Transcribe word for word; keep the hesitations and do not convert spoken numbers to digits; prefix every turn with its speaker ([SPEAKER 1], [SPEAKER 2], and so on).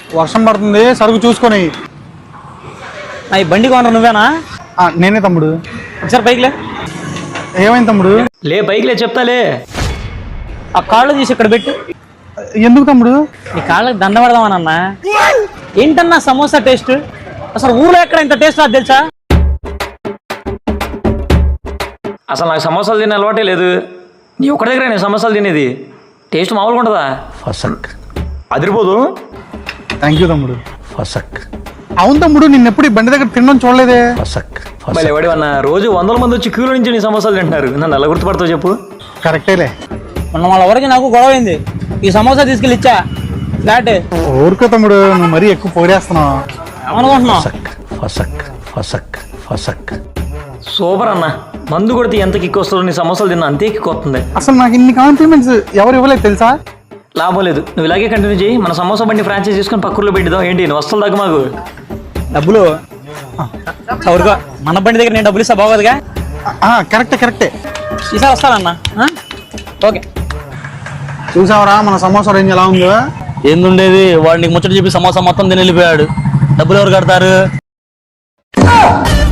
[SPEAKER 1] వర్షం పడుతుంది, సరుకు చూసుకొని.
[SPEAKER 2] ఈ బండి కొనరు నువ్వేనా?
[SPEAKER 1] నేనే తమ్ముడు.
[SPEAKER 2] ఒకసారి బైక్లే.
[SPEAKER 1] ఏమైంది తమ్ముడు?
[SPEAKER 2] లే బైక్లే చెప్తాలే. ఆ కాళ్ళు తీసి ఇక్కడ పెట్టు.
[SPEAKER 1] ఎందుకు తమ్ముడు?
[SPEAKER 2] ఈ కాళ్ళకి దండ పెడదామనన్నా. ఏంటన్నా సమోసా టేస్ట్? అసలు ఊర్లో ఎక్కడ ఇంత టేస్ట్ రాదు తెలుసా? అసలు నాకు సమోసాలు తినే అలవాటే లేదు. నీ ఒక్కడి దగ్గర నేను సమోసాలు తినేది. టేస్ట్ మామూలుగా ఉంటుందా?
[SPEAKER 3] ఫసక్
[SPEAKER 2] అదిరిపోదు.
[SPEAKER 1] థ్యాంక్ యూ తమ్ముడు.
[SPEAKER 3] ఫసక్.
[SPEAKER 1] అవును తమ్ముడు, నిన్న ఎప్పుడు ఈ బండి దగ్గర తినడం చూడలేదే.
[SPEAKER 3] ఫసక్
[SPEAKER 2] ఎవడేమన్నా రోజు వందల మంది వచ్చి క్యూలో నుంచి నీ సమోసాలు తింటున్నారు. నన్ను ఎలా గుర్తుపడతావు చెప్పు?
[SPEAKER 1] కరెక్టేలే.
[SPEAKER 2] మొన్న వాళ్ళ వరకు నాకు గొడవ అయింది. ఈ సమోసా తీసుకెళ్ళి ఇచ్చా ఫ్లాట్.
[SPEAKER 1] ఊరుకో తమ్ముడు, నువ్వు మరీ ఎక్కువ పొగిడేస్తున్నావు.
[SPEAKER 2] ఏమనుకుంటున్నావు?
[SPEAKER 3] ఫసక్ ఫసక్ ఫసక్.
[SPEAKER 2] సూపర్ అన్న. మందు కొడితే ఎంత కిక్ వస్తుందో నీ సమోసాలు తిన్నా అంతే కిక్ వస్తుంది.
[SPEAKER 1] అసలు నాకు ఇన్ని కాంప్లిమెంట్స్ ఎవరు ఇవ్వలేదు తెలుసా?
[SPEAKER 2] లాభం లేదు, నువ్వు ఇలాగే కంటిన్యూ చేయి. మన సమోసా బండి ఫ్రాంచైజ్ తీసుకొని పక్కూర్లో పెట్టిద్దాం. ఏంటి నువ్వు వస్తువులు దగ్గర మాకు డబ్బులు చౌరుగా మన బండి దగ్గర నేను డబ్బులు ఇస్తా బాగోదుగా?
[SPEAKER 1] కరెక్టే కరెక్టే.
[SPEAKER 2] ఈసారి వస్తానన్నా. ఓకే.
[SPEAKER 1] చూసావరా మన సమోసా రేంజ్ ఎలా ఉందో?
[SPEAKER 2] ఏందుండేది, వాడు నీకు ముచ్చట చెప్పి సమోసా మొత్తం తిని వెళ్ళిపోయాడు. డబ్బులు ఎవరు కడతారు?